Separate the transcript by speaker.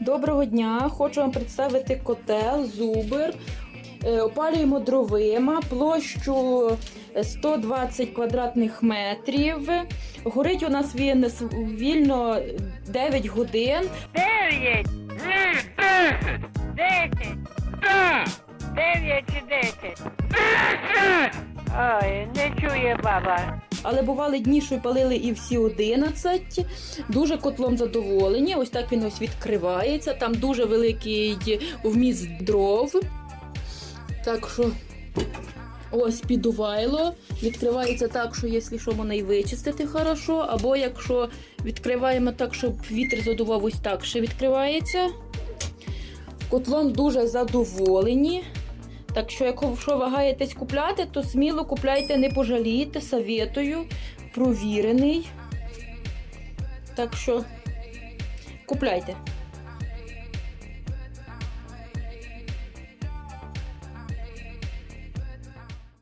Speaker 1: Доброго дня! Хочу вам представити котел Зубр. Опалюємо дровима, площу 120 квадратних метрів. Горить у нас він вільно 9 годин.
Speaker 2: 9, 10, 9 чи 10. Ой, не чує баба.
Speaker 1: Але бували дні, що палили і всі 11. Дуже котлом задоволені. Ось так він ось відкривається. Там дуже великий вміст дров. Так що ось підувайло. Відкривається так, що якщо що, можна і вичистити хорошо. Або якщо відкриваємо так, щоб вітер задував, ось так ще відкривається. Котлом дуже задоволені. Так що, якщо вагаєтесь купляти, то сміло купляйте, не пожалієте, советую, провірений. Так що, купляйте.